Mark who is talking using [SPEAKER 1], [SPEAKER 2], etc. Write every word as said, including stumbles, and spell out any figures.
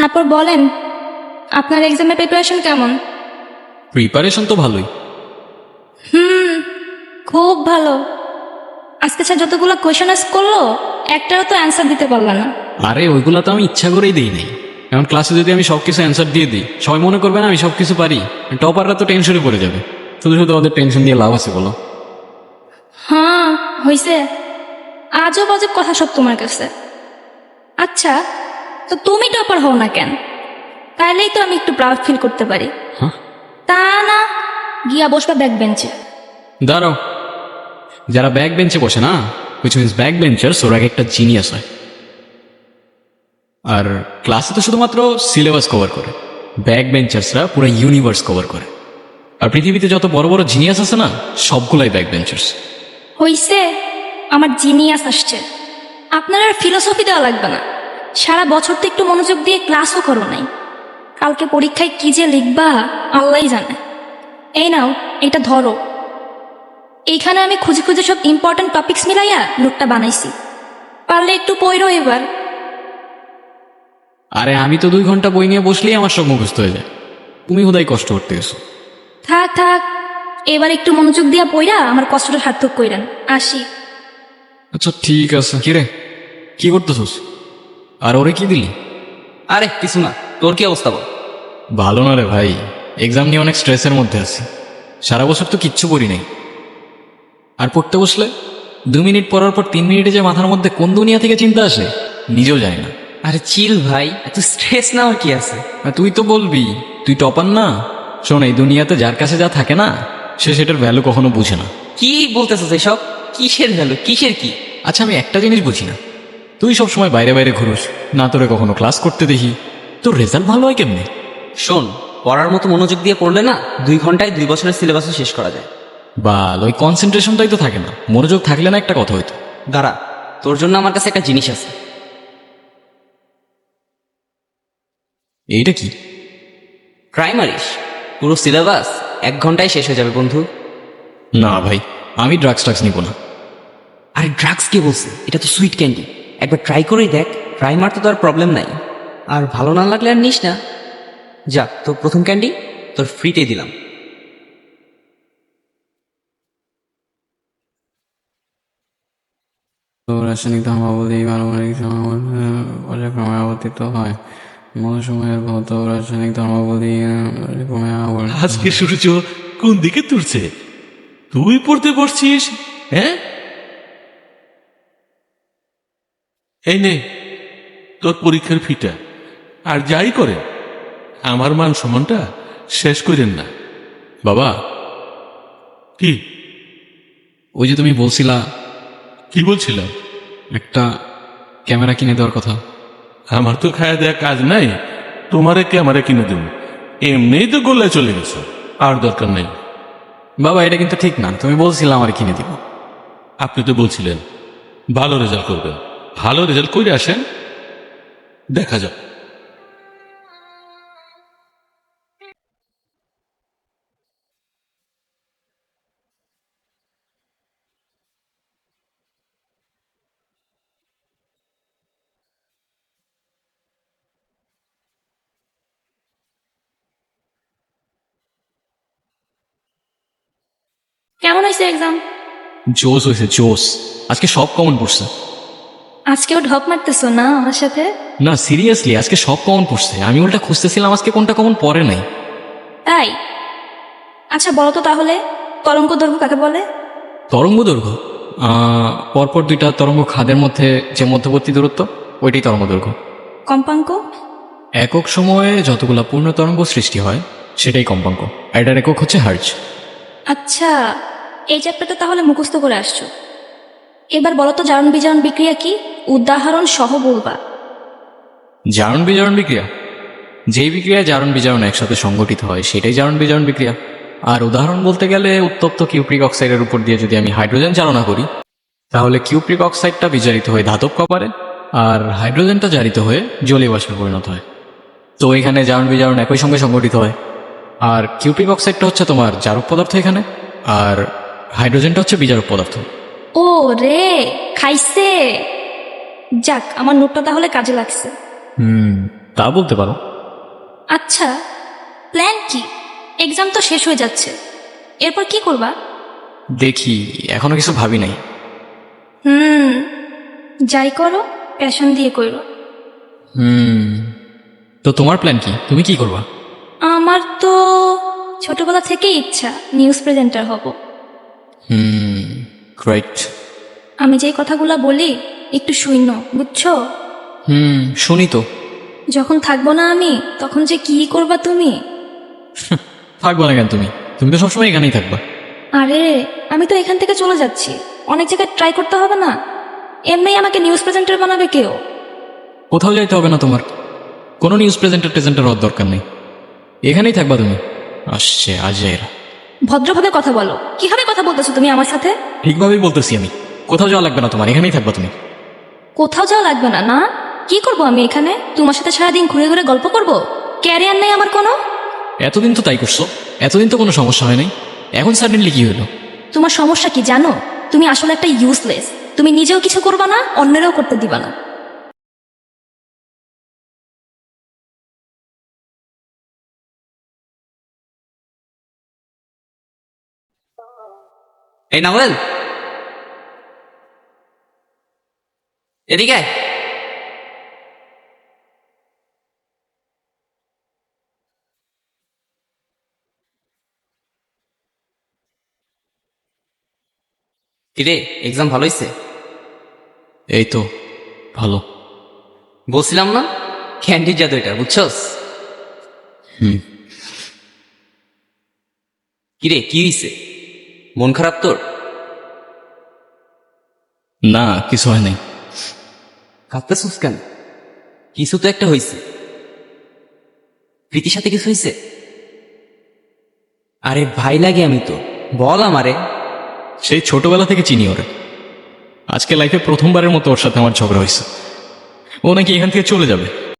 [SPEAKER 1] তারপর বলেন, আপনার এক্সামের প্রিপারেশন কেমন?
[SPEAKER 2] প্রিপারেশন তো ভালোই।
[SPEAKER 1] হুম, খুব ভালো। আজকে স্যার যতগুলো কোয়েশন আস করলো, একটারও তো অ্যান্সার দিতে পারলাম না।
[SPEAKER 2] আরে ওইগুলা তো আমি ইচ্ছা করেই দিই নাই। এখন ক্লাসে যদি আমি সব কিছু অ্যান্সার দিয়ে দিই, সবাই মনে করবে না আমি সব কিছু পারি। টপাররা তো টেনশনে পড়ে যাবে। শুধু শুধু ওদের টেনশন দিয়ে লাভ আছে বলো?
[SPEAKER 1] হ্যাঁ হয়েছে, আজব আজব কথা সব তোমার কাছে। আচ্ছা, তো তুমি টপার হও না কেন? তাইলেই তো আমি একটু প্রাউড ফিল করতে পারি।
[SPEAKER 2] হ্যাঁ,
[SPEAKER 1] তা না, গিয়া বসবা ব্যাক বেঞ্চে।
[SPEAKER 2] দাঁড়াও। যারা ব্যাক বেঞ্চে বসে না, হুইচ মিনস ব্যাক বেঞ্চার্স, ওরা একটা জিনিয়াস হয়। আর ক্লাসে তো শুধুমাত্র সিলেবাস কভার করে, ব্যাক বেঞ্চার্সরা পুরো ইউনিভার্স কভার করে। আর পৃথিবীতে যত বড় বড় জিনিয়াস আছে না, সবগুলাই ব্যাক বেঞ্চার্স।
[SPEAKER 1] হইছে, আমার জিনিয়াস আসছে। আপনার আর ফিলোসফি দেওয়া লাগবে না। সারা বছর তো একটু মনোযোগ দিয়ে ক্লাসও করো নাই। কালকে পরীক্ষায় কি যে লিখবা আল্লাহই জানে। এই নাও, এটা ধরো। এইখানে আমি খুঁজে খুঁজে সব ইম্পর্টেন্ট টপিকস মিলাইয়া নোটটা বানাইছি। পারলে একটু পড়ো এবার।
[SPEAKER 2] আরে আমি তো দুই ঘন্টা বই নিয়ে বসলেই আমার সব মুখস্থ হয়ে যায়। তুমি হুদাই কষ্ট করতে গেছো।
[SPEAKER 1] থাক থাক, এবার একটু মনোযোগ দিয়া পড়া আমার কষ্টটা সার্থক কইরেন। আসি।
[SPEAKER 2] আচ্ছা ঠিক আছে। কিরে, কি করতেছস? আর ওরে কি দিলি?
[SPEAKER 3] আরে কিছু না, তোর কি অবস্থা বল?
[SPEAKER 2] ভালো না রে ভাই, এক্সাম নিয়ে অনেক স্ট্রেসের মধ্যে আছি। সারা বছর তো কিচ্ছু পড়ি নাই। আর পড়তে বসলে দু মিনিট পড়ার পর তিন মিনিটে যে মাথার মধ্যে কোন দুনিয়া থেকে চিন্তা আসে নিজেও জানি না।
[SPEAKER 3] আরে চিল ভাই, এত স্ট্রেস নেওয়ার কি আছে?
[SPEAKER 2] আর তুই তো বলবি তুই টপার না। শোন, এই দুনিয়াতে যার কাছে যা থাকে না, সে সেটার ভ্যালু কখনো বুঝে না।
[SPEAKER 3] কি বলতেছিস এসব? কিসের ভ্যালু, কিসের কি?
[SPEAKER 2] আচ্ছা, আমি একটা জিনিস বুঝি না, তুই সব সময় বাইরে বাইরে ঘুরোস না, তোরে কখনো ক্লাস করতে দেখি। তোর রেজাল্ট ভালো হয় কেমনে?
[SPEAKER 3] শোন, পড়ার মতো মনোযোগ দিয়ে পড়লে না, দুই ঘন্টায় দুই বছরের সিলেবাসও শেষ করা যায়।
[SPEAKER 2] বাল, ওই কনসেন্ট্রেশনটাই তো থাকে না। মনোযোগ থাকলে না একটা কথা হইতো।
[SPEAKER 3] দাঁড়া, তোর জন্য আমার কাছে একটা জিনিস আছে।
[SPEAKER 2] এইটা কি?
[SPEAKER 3] ট্রাই মারিস, পুরো সিলেবাস এক ঘন্টায় শেষ হয়ে যাবে বন্ধু।
[SPEAKER 2] না ভাই, আমি ড্রাগস ট্রাগস নিব না।
[SPEAKER 3] আরে ড্রাগস কে বলছে? এটা তো সুইট ক্যান্ডি। একবার ট্রাই করেই দেখ। ট্রাই মারতে তো আর প্রবলেম নাই। আর ভালো না লাগলে আর নিস না। যা, তোর প্রথম ক্যান্ডি তোর ফ্রিতে দিলাম।
[SPEAKER 2] তো রাসায়নিক ধর্মাবলী পারমাণবিক সমাবর্তন ক্রমে আবর্তিত হয়। মৌসুমের ভৌত রাসায়নিক ধর্মাবলী ক্রমে আবর্তিত।
[SPEAKER 4] আজকে সূর্য কোন দিকে তুলছে? তুই পড়তে বসছিস? হ্যাঁ, এই নে তোর পরীক্ষার ফিটা। আর যাই করে আমার মান সম্মানটা শেষ করেন না।
[SPEAKER 2] বাবা,
[SPEAKER 4] কি
[SPEAKER 2] ওই যে তুমি বলছিলা
[SPEAKER 4] কি বলছিলাম?
[SPEAKER 2] একটা ক্যামেরা কিনে দেওয়ার কথা।
[SPEAKER 4] আমার তো খায়া দেয়া কাজ নাই, তোমারে ক্যামেরা কিনে দেব? এমনিই তো গোল্লায় চলে গেছো, আর দরকার নেই।
[SPEAKER 2] বাবা, এটা কিন্তু ঠিক না। তুমি বলছিলা আমার কিনে দিব।
[SPEAKER 4] আপনি তো বলছিলেন ভালো রেজাল্ট করবেন। ভালো রেজাল্ট করে আসেন, দেখা যাক।
[SPEAKER 1] কেমন হয়েছে এক্সাম?
[SPEAKER 2] জোস হয়েছে, জোস। আজকে সব কমন পড়ছে।
[SPEAKER 1] আজকেও ঢপ মারতেছো না আমার সাথে?
[SPEAKER 2] না সিরিয়াসলি, আজকে সব কমন পড়ছে। আমি ওটা খুঁজতেছিলাম আজকে কোনটা কমন পড়ে নাই।
[SPEAKER 1] তাই? আচ্ছা বলো তো তাহলে, কলঙ্ক দৈর্ঘ্য কাকে বলে?
[SPEAKER 2] তরঙ্গ দৈর্ঘ্য আহ, পরপর দুইটা তরঙ্গ খাদের মধ্যে যে মধ্যবর্তী দূরত্ব, ওইটাই তরঙ্গ দৈর্ঘ্য।
[SPEAKER 1] কম্পাঙ্ক?
[SPEAKER 2] একক সময়ে যতগুলা পূর্ণ তরঙ্গ সৃষ্টি হয় সেটাই কম্পাঙ্ক। এটার একক হচ্ছে হার্জ।
[SPEAKER 1] আচ্ছা, এই চ্যাপ্টারটা তাহলে মুখস্থ করে আসছো। এবার বলো তো জারণ বিজারণ বিক্রিয়া কি? উদাহরণ সহ বলবা।
[SPEAKER 2] জারণ বিজারণ বিক্রিয়া, যেই বিক্রিয়া জারণ বিজারণ একসাথে সংগঠিত হয় সেটাই জারণ বিজারণ বিক্রিয়া। আর উদাহরণ বলতে গেলে, উত্তপ্ত কিউপ্রিক অক্সাইডের উপর দিয়ে যদি আমি হাইড্রোজেন চালনা করি, তাহলে কিউপ্রিক অক্সাইডটা বিজারিত হয়ে ধাতব কপারে, আর হাইড্রোজেনটা জারিত হয়ে জলীয় বাষ্পে পরিণত হয়। তো এখানে জারণ বিজারণ একই সঙ্গে সংগঠিত হয়। আর কিউপ্রিক অক্সাইডটা হচ্ছে তোমার জারক পদার্থ এখানে, আর হাইড্রোজেনটা হচ্ছে বিজারক পদার্থ।
[SPEAKER 1] ও রে, খাইছে। যাক, আমার নোটটা তাহলে কাজে লাগছে।
[SPEAKER 2] হুম তা বলতে পারো।
[SPEAKER 1] আচ্ছা, প্ল্যান কি? এক্সাম তো শেষ হয়ে যাচ্ছে, এরপর কি করবা?
[SPEAKER 2] দেখি, এখনো কিছু ভাবি নাই।
[SPEAKER 1] হুম, যাই করো প্যাশন দিয়ে করো।
[SPEAKER 2] হুম, তো তোমার প্ল্যান কি? তুমি কি করবা?
[SPEAKER 1] আমার তো ছোটবেলা থেকেই ইচ্ছা নিউজ প্রেজেন্টার হব।
[SPEAKER 2] Hmm, great.
[SPEAKER 1] আমি যেই কথাগুলো বলি একটু শূন্য, বুঝছো?
[SPEAKER 2] হুম, শুনি তো।
[SPEAKER 1] যখন থাকবো না আমি, তখন যে কি করবা তুমি?
[SPEAKER 2] থাকবো না কেন তুমি? তুমি তো সবসময় এখানেই থাকবা।
[SPEAKER 1] আরে, আমি তো এখান থেকে চলে যাচ্ছি, অনেক জায়গায় ট্রাই করতে হবে না? এমনি আমাকে নিউজ প্রেজেন্টার বানাবে কেউ?
[SPEAKER 2] কোথাও যাইতে হবে না তোমার, কোনো নিউজ প্রেজেন্টার টেজেন্টার হওয়ার দরকার নেই, এখানেই থাকবা তুমি। আসছে আজের।
[SPEAKER 1] ভদ্রভাবে কথা বলো, কিভাবে কথা বলতেছো তুমি আমার সাথে?
[SPEAKER 2] ঠিকভাবেই বলতেছি আমি, কোথাও যাওয়া লাগবে না তোমার, এখানেই থাকবা তুমি।
[SPEAKER 1] কোথাও যাওয়া লাগবে না? না, কি করব আমি এখানে? তোমার সাথে সারাদিন ঘুরে ঘুরে গল্প করব? ক্যারিয়ার নেই আমার কোনো?
[SPEAKER 2] এতদিন তো তাই করছো, এতদিন তো কোনো সমস্যা হয় নাই, এখন সাডেনলি কি হলো?
[SPEAKER 1] তোমার সমস্যা কি জানো? তুমি আসলে একটা ইউজলেস। তুমি নিজেও কিছু করবা না, অন্যেরও করতে দিবা না।
[SPEAKER 3] এই নাওয়েল, এদিকে আয়। কিরে, এক্সাম ভালো হয়েছে?
[SPEAKER 2] এই তো ভালো।
[SPEAKER 3] বলছিলাম না, ক্যান্ডির জাদু এটা, বুঝছস?
[SPEAKER 2] হুম।
[SPEAKER 3] কিরে, কি হয়েছে? মন খারাপ তোর?
[SPEAKER 2] না, কিছু হয় নাই।
[SPEAKER 3] কাঁদতেছিস কেন? কিছু তো একটা হয়েছে। প্রীতির সাথে কিছু হয়েছে? আরে ভাই লাগে আমি তো, বল আমারে।
[SPEAKER 2] সেই ছোটবেলা থেকে চিনি ওরে, আজকে লাইফে প্রথমবারের মতো ওর সাথে আমার ঝগড়া হয়েছে। ও নাকি এখান থেকে চলে যাবে।